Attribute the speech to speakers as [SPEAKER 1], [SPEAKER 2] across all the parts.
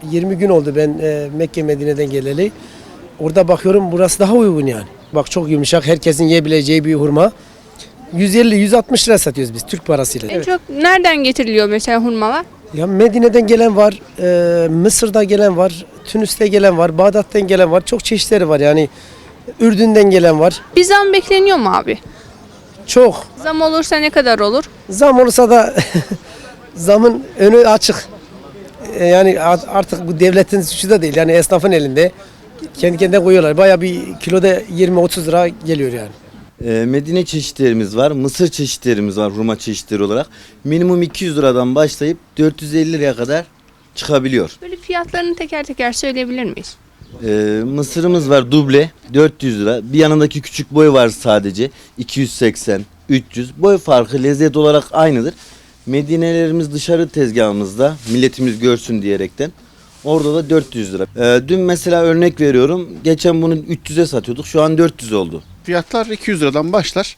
[SPEAKER 1] 20 gün oldu ben Mekke Medine'den geleli. Orada bakıyorum burası daha uygun yani. Bak çok yumuşak, herkesin yiyebileceği bir hurma. 150-160 lira satıyoruz biz Türk parasıyla.
[SPEAKER 2] En çok nereden getiriliyor mesela hurmalar?
[SPEAKER 1] Ya Medine'den gelen var, Mısır'da gelen var, Tunus'ta gelen var, Bağdat'tan gelen var. Çok çeşitleri var yani. Ürdün'den gelen var.
[SPEAKER 2] Bir zam bekleniyor mu abi?
[SPEAKER 1] Çok.
[SPEAKER 2] Zam olursa ne kadar olur?
[SPEAKER 1] Zam olursa da zamın önü açık. Yani artık bu devletin suçu da değil. Yani esnafın elinde. Kendi kendine koyuyorlar. Bayağı bir kiloda 20-30 lira geliyor yani.
[SPEAKER 3] Medine çeşitlerimiz var, Mısır çeşitlerimiz var hurma çeşitleri olarak. Minimum 200 liradan başlayıp 450 liraya kadar çıkabiliyor.
[SPEAKER 2] Böyle fiyatlarını teker teker söyleyebilir miyiz?
[SPEAKER 3] Mısırımız var duble 400 lira. Bir yanındaki küçük boy var sadece 280, 300. Boy farkı lezzet olarak aynıdır. Medinelerimiz dışarı tezgahımızda milletimiz görsün diyerekten. Orada da 400 lira. Dün mesela örnek veriyorum. Geçen bunu 300'e satıyorduk. Şu an 400 oldu.
[SPEAKER 4] Fiyatlar 200 liradan başlar.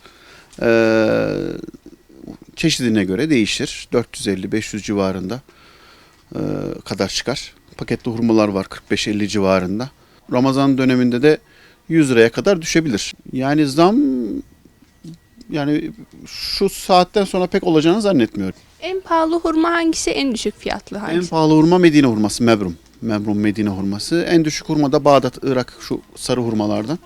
[SPEAKER 4] Çeşidine göre değişir. 450-500 civarında kadar çıkar. Paketli hurmalar var 45-50 civarında. Ramazan döneminde de 100 liraya kadar düşebilir. Yani zam şu saatten sonra pek olacağını zannetmiyorum.
[SPEAKER 2] En pahalı hurma hangisi, en düşük fiyatlı
[SPEAKER 4] En
[SPEAKER 2] hangisi?
[SPEAKER 4] pahalı hurma Medine hurması, Mebrum. Mebrum Medine hurması. En düşük hurma da Bağdat, Irak şu sarı hurmalardan.